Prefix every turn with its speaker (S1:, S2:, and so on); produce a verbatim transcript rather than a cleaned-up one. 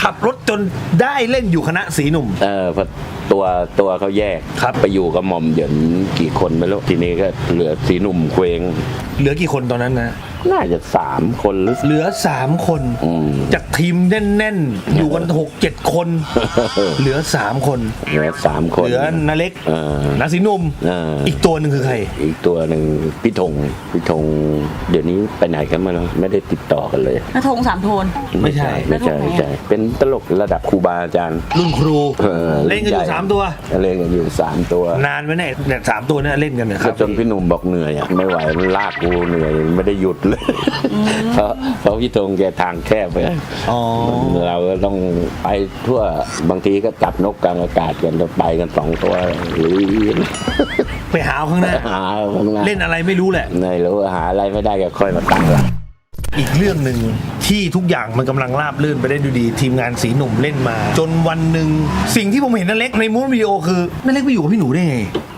S1: ขับรถจนได้เล่นอยู่คณะสีหนุ่ม
S2: เออพอตัวตัวเขาแยก
S1: ครับ
S2: ไปอยู่กับหม่อมเหยินกี่คนไม่รู้ทีนี้ก็เหลือสีหนุ่มเคว้ง
S1: เหลือกี่คนตอนนั้นนะ
S2: น่าจะสามคนหรือ
S1: เหลือสามคน
S2: อืม
S1: จากทีมแน่นๆ อยู่กันหกเจ็ดคน เหลือสามคน
S2: เหลือสามคน
S1: เหลือนาเล็ก
S2: เออ
S1: นาสีหนุ่ม
S2: เอออี
S1: อีกตัวหนึ่งคือใคร
S2: อีกตัวหนึ่งพี่ธงพี่ธงเดี๋ยวนี้ไปไหนกันมาแล้วไม่ได้ติดต่อกันเลย
S3: กระทงสามโทน
S1: ไม่ใช่
S2: ไม่ใช่ไม่ใช่เป็นตลกระดับครูบาอาจารย์
S1: รุ่นครู
S2: ออ
S1: เล่นกันอยู่สามตัว
S2: เล่นกันอยู่สามตัวน
S1: านไหมเนี่ยเนี่ยสามตัวเนี่ยเล่นกันเนี่ยค
S2: ก็
S1: รับ
S2: จนพี่หนุ่มบอกเหนื่อยอะไม่ไหวมันลากกูเหนื่อยไม่ได้หยุดเลยเพราะเพราะพี่ธงแกทางแคบไป
S1: อ๋อ
S2: เราก็ต้องไปทั่วบางทีก็จับนกกลางอากาศกันจะไปกันสองตัวหรือ
S1: ไปหาเอาข้างหน้า
S2: หาข้างหน้า
S1: เล่นอะไรไม่รู้แหละ
S2: ไม่รู้หาอะไรไม่ได้ก็ค่อยมาตั้งหลัก
S1: อีกเรื่องหนึ่งที่ทุกอย่างมันกำลังราบรื่นไปได้ดูดีทีมงานสีหนุ่มเล่นมา จนวันหนึ่งสิ่งที่ผมเห็นนั่นเล็กในมูฟวิดีโอคือนั่นเล็กไปอยู่กับพี่หนูได้ไง